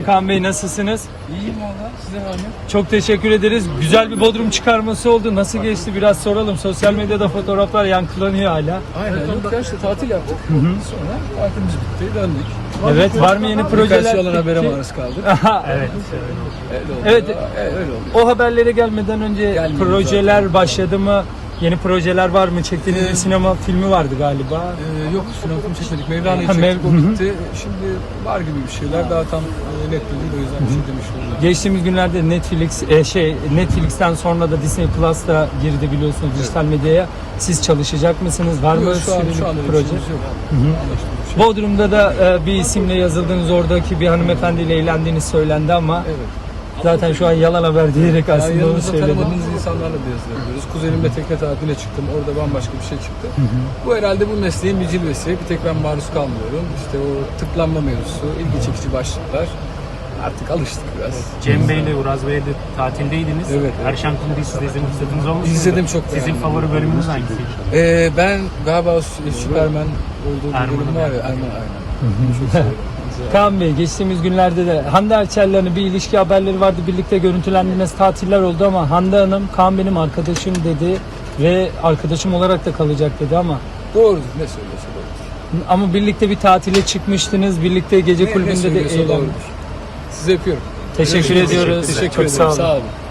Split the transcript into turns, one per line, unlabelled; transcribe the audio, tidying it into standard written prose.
Kaan Bey nasılsınız?
İyiyim valla. Size var mı?
Çok teşekkür ederiz. Güzel bir Bodrum çıkarması oldu. Nasıl geçti biraz soralım. Sosyal medyada fotoğraflar yankılanıyor hala.
Aynen. Yok ya işte tatil yaptık. Sonra tatilimiz bitti. Döndük.
Evet, var mı yeni projeler?
Birkaç yalan habere
Peki.
maruz kaldık.
Aha, evet.
Öyle oldu.
Evet.
Öyle oldu.
O haberlere gelmeden önce
Gelmedi
projeler başladı mı? Yeni projeler var mı? Çektiğiniz bir sinema filmi vardı galiba.
Yok sinema film çekmedik. Mevlana'yı
Ha,
çektik. O
Hı hı.
bitti. Şimdi var gibi bir şeyler. Daha tam net değil. O yüzden bir şey demiş oldum.
Geçtiğimiz günlerde Netflix'ten sonra da Disney Plus'ta girdi biliyorsunuz dijital medyaya. Siz çalışacak mısınız? Var mı
Yok, şu an
süreli
öyle bir
proje?
şeyimiz yok. Anlaştık bir şey.
Bodrum'da da bir isimle yazıldığınız, oradaki bir hanımefendiyle eğlendiğiniz söylendi ama
Evet.
zaten şu an yalan haber diyerek
Yani
aslında onu
yanımızda
söyledim.
tanımadığımız insanlarla da yazı yapıyoruz. Kuzenimle tekne tatiline çıktım. Orada bambaşka bir şey çıktı. Bu herhalde bu mesleğin bir cilvesi. Bir tek ben maruz kalmıyorum. İşte o tıklanma mevzusu, ilgi çekici başlıklar. Artık alıştık biraz.
Cem Bey'le Uraz Bey'le de tatildeydiniz.
Evet.
Erşan Kundu'yu siz de izleme fırsatınız olmuş muydu?
İzledim, çok
Sizin
beğendim.
favori bölümünüz hangisiydi?
Ben galiba o Süpermen olduğu bir
Erman'ın
bölüm var ya. Aynen. Çok seviyorum.
Kaan Bey, geçtiğimiz günlerde de Hande Erçel'le bir ilişki haberleri vardı. Birlikte görüntülendiğiniz tatiller oldu ama Hande Hanım, Kaan benim arkadaşım dedi ve arkadaşım olarak da kalacak dedi ama
Doğrudur. Ne söylüyorsa doğrudur.
ama birlikte bir tatile çıkmıştınız. Birlikte gece
Ne
kulübünde de
söylüyorsa
eğlendiniz.
doğrudur. Sizi öpüyorum.
Teşekkür ediyoruz.
Teşekkür
Çok
ederim.
sağ olun.
Sağ olun.